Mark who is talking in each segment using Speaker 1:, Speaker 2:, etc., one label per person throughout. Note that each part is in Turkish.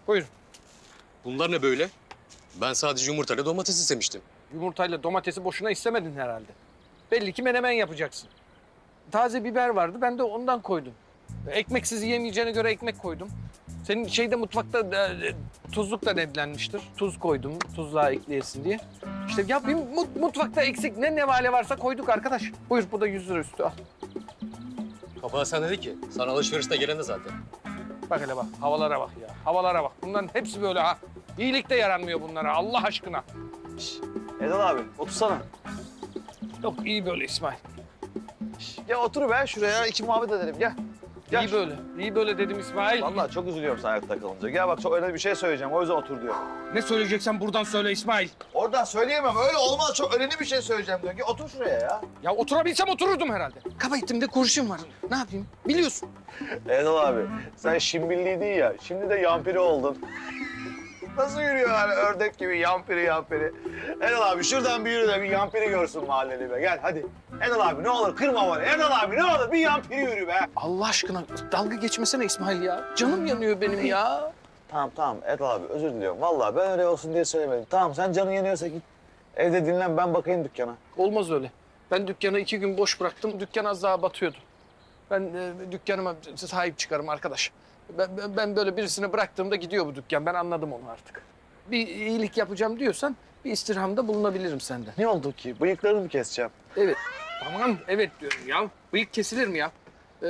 Speaker 1: Buyurun.
Speaker 2: Bunlar ne böyle? Ben sadece yumurtayla domates istemiştim.
Speaker 1: Yumurtayla domatesi boşuna istemedin herhalde. Belli ki menemen yapacaksın. Taze biber vardı, ben de ondan koydum. Ekmeksiz yiyemeyeceğine göre ekmek koydum. Senin şeyde mutfakta tuzluk da demlenmiştir. Tuz koydum, tuzluğa ekleyesin diye. İşte ya bir mutfakta eksik ne nevale varsa koyduk arkadaş. Buyur, bu da 100 lira üstü al.
Speaker 2: Baba sen dedi ki, sana alışverişte gelen de zaten.
Speaker 1: Bak hele bak, havalara bak ya. Havalara bak. Bunların hepsi böyle ha. İyilik de yaranmıyor bunlara Allah aşkına.
Speaker 3: Erdal abi otursana.
Speaker 1: Yok iyi böyle İsmail.
Speaker 3: Gel otur be şuraya iki muhabbet edelim gel. Gel.
Speaker 1: İyi böyle. İyi böyle dedim İsmail.
Speaker 3: Vallahi çok üzülüyorum sen ayakta kalınca. Gel bak çok önemli bir şey söyleyeceğim o yüzden otur diyor.
Speaker 1: Ne söyleyeceksen buradan söyle İsmail.
Speaker 3: Oradan söyleyemem öyle olmaz çok önemli bir şey söyleyeceğim diyor. Gel otur şuraya ya.
Speaker 1: Ya oturabilsem otururdum herhalde. Kaba ettimde kurşun var. Ne yapayım? Biliyorsun.
Speaker 3: Erdal abi sen şimbilliydin ya şimdi de yampiri oldun. Nasıl yürüyor yani ördek gibi yampiri. Erdal abi şuradan bir yürü de bir yampiri görsün mahalleli be. Gel hadi. Erdal abi ne olur kırma bana. Erdal abi ne olur bir yampiri yürü be.
Speaker 1: Allah aşkına dalga geçmesene İsmail ya. Canım yanıyor benim ya.
Speaker 3: Tamam Erdal abi özür diliyorum. Vallahi ben öyle olsun diye söylemedim. Tamam sen canın yanıyorsa git. Evde dinlen ben bakayım dükkana.
Speaker 1: Olmaz öyle. Ben dükkanı 2 gün boş bıraktım. Dükkan az daha batıyordu. Ben dükkanıma sahip çıkarım arkadaş. Ben böyle birisini bıraktığımda gidiyor bu dükkan. Ben anladım onu artık. Bir iyilik yapacağım diyorsan bir istirhamda bulunabilirim senden.
Speaker 3: Ne oldu ki? Bıyıklarını mı keseceğim?
Speaker 1: Evet. Tamam evet diyorum ya. Bıyık kesilir mi ya?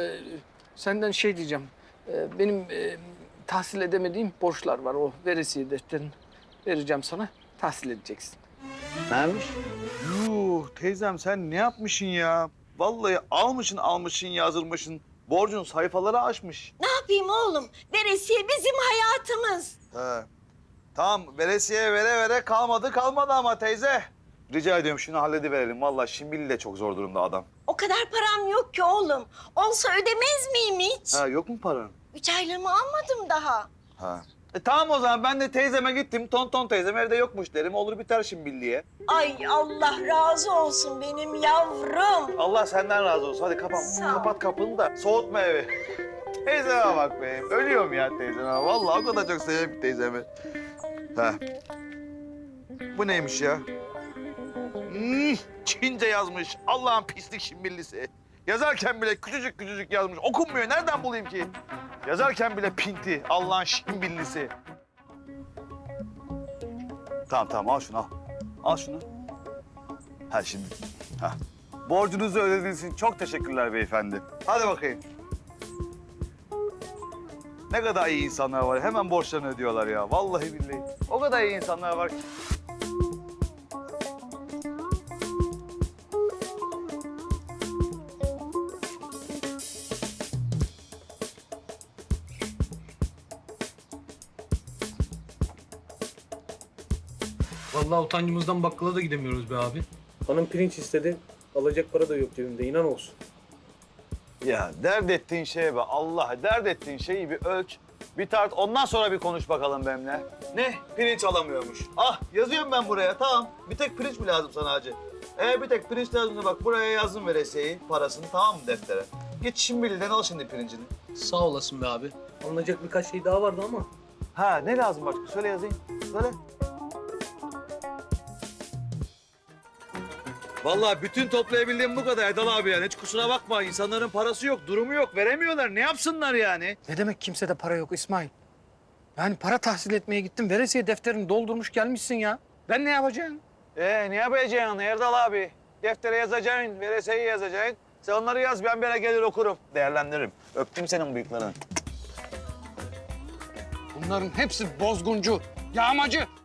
Speaker 1: Senden şey diyeceğim. Benim tahsil edemediğim borçlar var. O veresiye defterini vereceğim sana. Tahsil edeceksin.
Speaker 3: Neymiş?
Speaker 4: Yuh teyzem sen ne yapmışsın ya? Vallahi almışsın yazdırmışsın. Borcun sayfaları aşmış.
Speaker 5: Ne yapayım oğlum? Veresiye bizim hayatımız.
Speaker 4: He. Tamam veresiye vere kalmadı ama teyze. Rica ediyorum şunu hallediverelim. Vallahi Şimbili de çok zor durumda adam.
Speaker 5: O kadar param yok ki oğlum. Olsa ödemez miyim hiç?
Speaker 4: Ha yok mu paran?
Speaker 5: 3 aylığımı almadım daha.
Speaker 4: Ha. Tamam o zaman ben de teyzeme gittim. Tonton teyzem evde yokmuş derim. Olur biter Şimbili'ye.
Speaker 5: Ay Allah razı olsun benim yavrum.
Speaker 4: Allah senden razı olsun. Hadi
Speaker 5: Sağ ol.
Speaker 4: kapat kapını da soğutma evi. Teyzeme bak be. Ölüyorum ya teyzeme. Vallahi o kadar çok seviyorum ki teyzemi. Ha. Bu neymiş ya? Çince yazmış. Allah'ın pislik Şimbillisi. Yazarken bile küçücük yazmış. Okunmuyor. Nereden bulayım ki? Yazarken bile pinti. Allah'ın Şimbillisi. Tamam al şunu al. Al şunu. Ha şimdi. Ha. Borcunuzu ödediğiniz için çok teşekkürler beyefendi. Hadi bakayım. Ne kadar iyi insanlar var. Hemen borçlarını ödüyorlar ya. Vallahi billahi. O kadar iyi insanlar var ki.
Speaker 6: Vallahi utancımızdan bakkala da gidemiyoruz be abi. Hanım pirinç istedi. Alacak para da yok cebimde inan olsun.
Speaker 4: Ya dert ettiğin şeye be Allah. Dert ettiğin şeyi bir ölç, bir tart. Ondan sonra bir konuş bakalım benimle. Ne? Pirinç alamıyormuş. Ah yazıyorum ben buraya tamam. Bir tek pirinç mi lazım sana hacı? Bir tek pirinç lazımsa bak buraya yazdım veresiyeyi, parasını tamam mı deftere? Git Şimbili'den al şimdi pirincini.
Speaker 6: Sağ olasın be abi. Alınacak birkaç şey daha vardı ama.
Speaker 4: Ha ne lazım başka? Söyle yazayım. Söyle. Vallahi bütün toplayabildiğim bu kadar Erdal abi yani. Hiç kusura bakma. İnsanların parası yok, durumu yok. Veremiyorlar. Ne yapsınlar yani?
Speaker 1: Ne demek kimsede para yok İsmail? Yani para tahsil etmeye gittin. Veresiye defterini doldurmuş gelmişsin ya. Ben ne yapacağım?
Speaker 4: Ne yapacaksın Erdal abi? Deftere yazacaksın, veresiyeyi yazacaksın. Sen onları yaz, ben bir ara gelir okurum. Değerlendiririm. Öptüm senin bıyıklarını.
Speaker 1: Bunların hepsi bozguncu, yağmacı.